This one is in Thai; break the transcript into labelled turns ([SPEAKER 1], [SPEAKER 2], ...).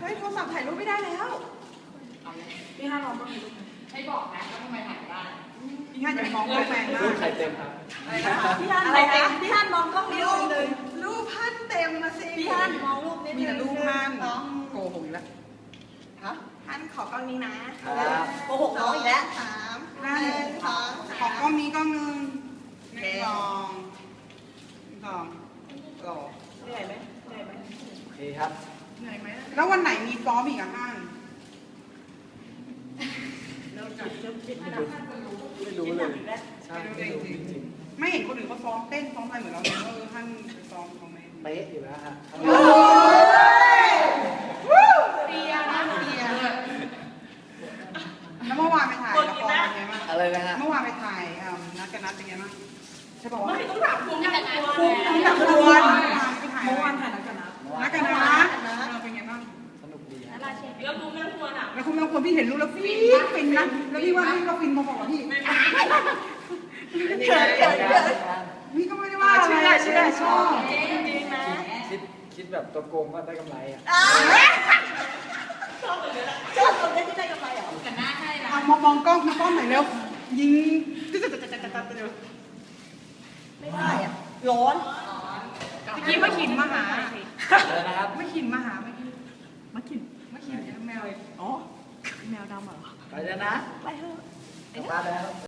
[SPEAKER 1] ฮ้ยโทรศัพท์ถ่ายรูปไม่ได้แล้วพี่ฮันลองต้องมีรูป
[SPEAKER 2] ให้บอกนะว่าทำไมถ่ายได้
[SPEAKER 1] พี่ฮันอย่ามองกล้องแรงมาก
[SPEAKER 3] รูปไข่เต็มครับ
[SPEAKER 1] พี่ฮันอะไรนะพี่ฮันมองกล้องนี้รูปนึงรูปฮันเต็มมาสิพี่ฮันมองรูปนี้มีแต่รูปฮันโกหกอีกแล้วฮะฮันขอกล้องนี้นะโกหกน้องอีกแล้วฮันขอกล้องนี้กล้องนึงลองเหนื่อยไหม
[SPEAKER 3] โอเคครับ
[SPEAKER 1] เหนื่อยไหมแล้ววันไหนมีซ้อมอีกอะฮัน
[SPEAKER 3] ไม่รู้เลยใช่ไม่รู้จริง
[SPEAKER 1] ไม่เห็นคนอื่นเขาซ้อมเต้นซ้อมอะไรเหมือนเราเลยฮันซ้อมเขาไหม
[SPEAKER 3] ๆเป๊ะอยู่แล้วฮะ
[SPEAKER 1] เรียนะเรียแล้วเมื่อวานไปถ่ายละครเป็นไงบ้าง
[SPEAKER 3] อะไรนะฮะ
[SPEAKER 1] เมื่อวานไปถ่ายนัดกันนัดเป็นไงบ้างใช่ป่าววะ
[SPEAKER 2] ไม่ต้องถามคุณกันนะ
[SPEAKER 1] คุ้มนักดวนไปถ่าย
[SPEAKER 4] เมื่อวานถ่ายนักกันนะ
[SPEAKER 1] นัดกันนัดเป็นไงบ้าง
[SPEAKER 3] สนุกดีฮะ
[SPEAKER 2] แล้วดูนั่งทัวร์อ่ะ
[SPEAKER 1] แล้วคุณบางคนพี่เห็นรูปแล้วฟินนะแล้วพี่ว่าพี่ก็ฟินพอๆกับพี่พี่ก็ไม่ได้ว่าอะไรเชื่อชอบ
[SPEAKER 3] คิดแบบตัวโกงว่าได้กำไรอ่ะ
[SPEAKER 4] ชอบตรงนี้ที่ได้กำไรเหรอ
[SPEAKER 2] กันหน้าให้นะ
[SPEAKER 1] มองกล้องหน่อยเร็วยิง
[SPEAKER 4] ไม่ได้อ่ะร้อน
[SPEAKER 1] เมื่อกี้มาขินมาหา
[SPEAKER 3] อะไรนะครับ
[SPEAKER 1] ไม่ขินมาหาเมื่อกี้มาขินแมวอ๋อ
[SPEAKER 4] แมวดำเหรอ
[SPEAKER 3] ไปแล้วนะ
[SPEAKER 4] ไปเถอะ
[SPEAKER 3] กลับบ้านแล้ว